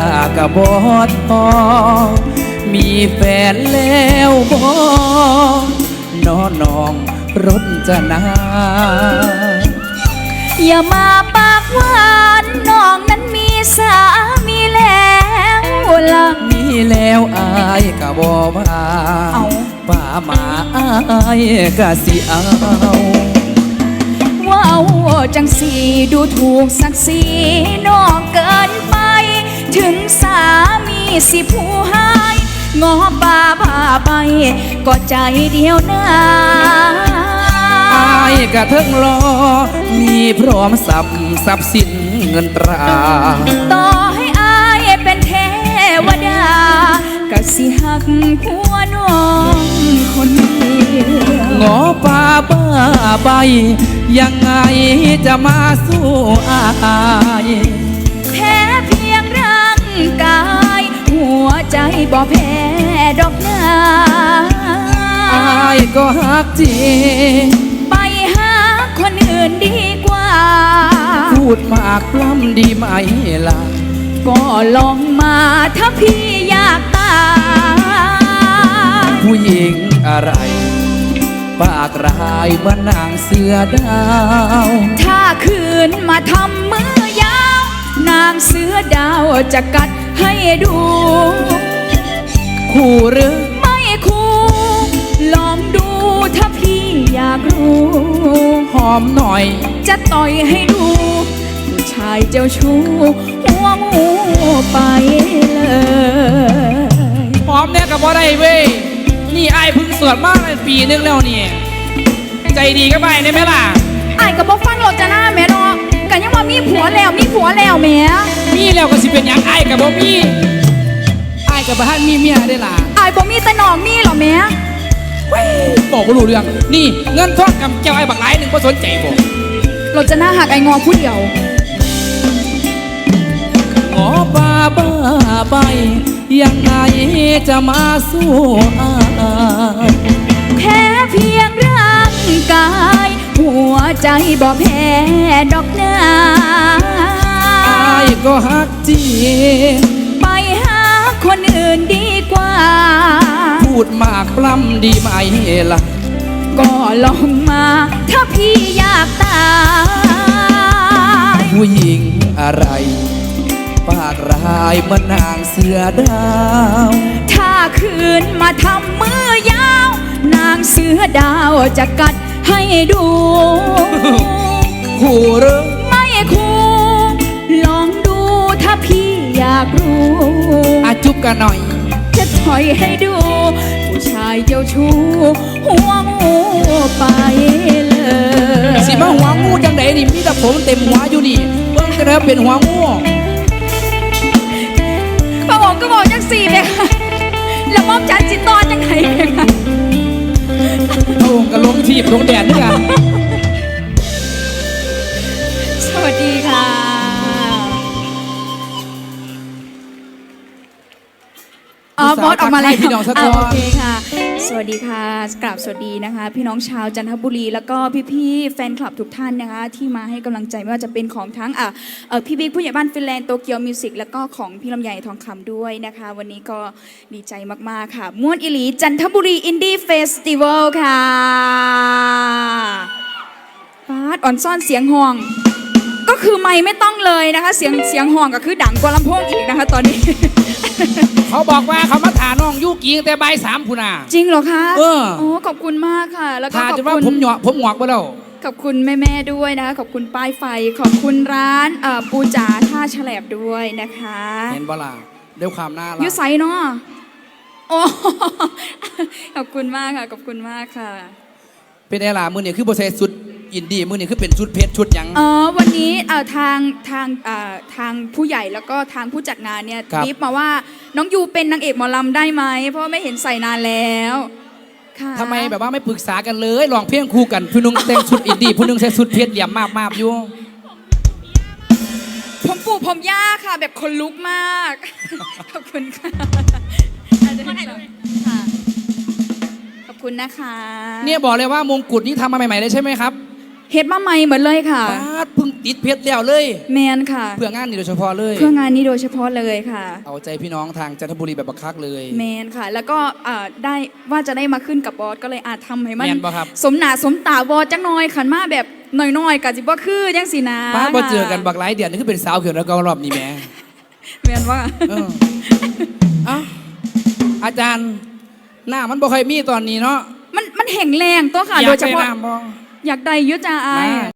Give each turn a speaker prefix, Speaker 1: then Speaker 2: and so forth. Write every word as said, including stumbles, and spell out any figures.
Speaker 1: กะบอดพอมีแฟนแล้วบ่น้อน้องรจนา
Speaker 2: อย่ามาปากหวานน้องนั้นมีสามีแล้วล่ะ
Speaker 1: มีแล้วอายกะบ่ว่าเอาป่ามาอายกะสิเอา
Speaker 2: ว้าวจังสีดูถูกศักดิ์ศรีน้องเกินไปถึงสามีสิผู้ให้งอป่าพาไปก็ใจเดียวนะ
Speaker 1: อายกะเทิงรอมีพร้อมสับทรัพย์สินเงินตรา
Speaker 2: ต่อให้อายเป็นเทวดากะสิหักผัวน้องคนเดียว
Speaker 1: งอป่าบ้าใบยังไงจะมาสู้อาย
Speaker 2: แพ้เพียงร่างกายหัวใจบ่แพ้ดอกนา
Speaker 1: อายก็หักจริง
Speaker 2: ไปหาคนอื่นดีกว่า
Speaker 1: พูดมากปล้ำดีไหมล่ะ
Speaker 2: ก็ลองมาถ้าพี่อยากตาย
Speaker 1: ผู้หญิงอะไรปากร้ายเหมือนนางเสือดาว
Speaker 2: ถ้าคืนมาทำมือยาวนางเสือดาวจะกัดให้ดู
Speaker 1: คู่หรือ
Speaker 2: ไม่คู่ลองดูถ้าพี่อยากรู้
Speaker 1: หอมหน่อย
Speaker 2: จะต่อยให้ดูผู้ชายเจ้าชู้หัวงูไปเลย
Speaker 1: หอมเนี่ยกับว่าได้เว้ยนี่ไอ้พึ่งสวดมากเลยปีนึงแล้วนี่ใจดีก็ไปได้ไหมล่ะ
Speaker 2: ไอ้กับบอกฟังหลดจะหน้าแม่เนาะกันยังว่ามีผัวแล้วมีผัวแล้วแม่
Speaker 1: มีแล้วก็สิเป็นยังไอ้กับบอกมีไอ้กับบ้านมีเมียได้ล่ะ
Speaker 2: ไอ้บอกมีแต่น้องมีหรอแม่
Speaker 1: บอกว่ารู้เรื่องนี่เงินทองกับเจ้าไอ้บักหลายหนึ่งก็สนใจบอก
Speaker 2: หลดจะหน้าหักไอ้งอผู้เดียว
Speaker 1: งอบ้าบ้าใบยังไงจะมาสู้อาย
Speaker 2: แค่เพียงร่างกายหัวใจบ่แพ้ดอกนา
Speaker 1: อายก็ฮักจริง
Speaker 2: ไปหาคนอื่นดีกว่า
Speaker 1: พูดมากปล้ำดีไหมล่ะ
Speaker 2: ก็ลองมาถ้าพี่อยากตาย
Speaker 1: ผู้หญิงอะไรปากร้ายเหมือนนางเสือดาว
Speaker 2: ถ้าคืนมาทำมือยาวนางเสือดาวจะกัดให้ดู
Speaker 1: คู่หรือ
Speaker 2: ไม่คู่ลองดูถ้าพี่อยากรู้
Speaker 1: อาจุบกันหน่อย
Speaker 2: จะถอยให้ดูผู้ชายเจ้าชู้หัวงูไปเลย
Speaker 1: สิมาหัวงูจังไหนนี่มีแต่ผมเต็มหัวอยู่นี่เบิ่งจะได้เป็นหัวงู
Speaker 2: ป้าบอกก็บอกจังสี่เลยค่ะแล้วมอบจันจิตตอนยังไงค่ะ
Speaker 1: โอ้กระลงทีบลงแดดนี่กัน
Speaker 2: สวัสดีค่ะอ๋อบอสออกมาแล้ว
Speaker 1: พี่น้องสะท้อน
Speaker 2: โอเคค่ะสวัสดีค่ะกราบสวัสดีนะคะพี่น้องชาวจันทบุรีแล้วก็พี่ๆแฟนคลับทุกท่านนะคะที่มาให้กำลังใจไม่ว่าจะเป็นของทั้งอ่ะพี่บิ๊กผู้ใหญ่บ้านฟินแลนด์โตเกียวมิวสิกแล้วก็ของพี่ลำไยทองคำด้วยนะคะวันนี้ก็ดีใจมากๆค่ะม่วนอิหลีจันทบุรีอินดี้เฟสติวัลค่ะฟาดอ่อนซ่อนเสียงห่วงก็คือไม่ไม่ต้องเลยนะคะเสียงเสียงห่วงก็คือดังกว่าลำโพงอีกนะคะตอนนี้
Speaker 1: เขาบอกว่าเขามาถ่าน้องยุกีแต่ใบสามพุนา
Speaker 2: จริงเหรอคะ
Speaker 1: เออ
Speaker 2: โอ้ขอบคุณมากค่ะแล้วก็ขอบคุณว่า
Speaker 1: ผมหยอกผมหงอกไปแล้ว
Speaker 2: ขอบคุณแม่ๆด้วยนะคะขอบคุณป้ายไฟขอบคุณร้านปูจ๋าท่าแฉลบด้วยนะคะ
Speaker 1: เห็นบ่ล่ะด้วยความน่ารัก
Speaker 2: ยุไซเนาะโอ้ขอบคุณมากค่ะขอบคุณมากค่ะ
Speaker 1: เป็นไงล่ะมือเนี่ยคือโบเซสุดอินดี้มือเนี่ยคือเป็นชุดเพชรชุดยัง
Speaker 2: อ๋อวันนี้ทางทางทางผู้ใหญ่แล้วก็ทางผู้จัดงานเนี่ยรีบมาว่าน้องยูเป็นนางเอกหมอลำได้ไหมเพราะไม่เห็นใส่นานแล้วค่ะ
Speaker 1: ทำไมแบบว่าไม่ปรึกษากันเลยลองเพียงคู่กันผู้นึงแต่งชุดอินดี้ผู้นึงใส่ชุดเพชรเหลี่ยมมากมากอยู่
Speaker 2: ผมปู่ผมย่าค่ะแบบคนลุกมากขอบคุณค่ะขอบคุณนะคะ
Speaker 1: เนี่ยบอกเลยว่ามงกุฎนี้ทำมาใหม่ๆเลยใช่ไหมครับ
Speaker 2: เฮ็ดมาใหม่เหมือนเลยค่ะ
Speaker 1: เพิ่งติดติดเพชรแล้วเลย
Speaker 2: แมนค่ะ
Speaker 1: เพื่องานนี้โดยเฉพาะเลย
Speaker 2: เพื่องานนี้โดยเฉพาะเลยค่ะ
Speaker 1: เอาใจพี่น้องทางจันทบุรีแบบบักคักเลย
Speaker 2: แมนค่ะ แล้วก็อ่าได้ว่าจะได้มาขึ้นกับบอสก็เลยอาจทำให้มัน
Speaker 1: แม่นบ่ครับ
Speaker 2: สมหนาสมตาบอสจังน้อยขันมาแบบหน่อยๆกับจิบ่คือจังสีนะ
Speaker 1: ป้าพอเจอกันบักหลายเดือนนี่คือเป็นสาวเขียวแล้วก็รอบนี้แหม่
Speaker 2: แมนว่า
Speaker 1: เออเอ้าอาจารย์หน้ามันบ่ค่อยมีตอนนี้เนาะ
Speaker 2: มันมันแห่งแรงตัวค่ะ
Speaker 1: อยา
Speaker 2: โด
Speaker 1: ก
Speaker 2: ยเฉ
Speaker 1: ได้
Speaker 2: พาะ
Speaker 1: น้ำบ่
Speaker 2: อยากได้อยุจ้าอาย
Speaker 1: มา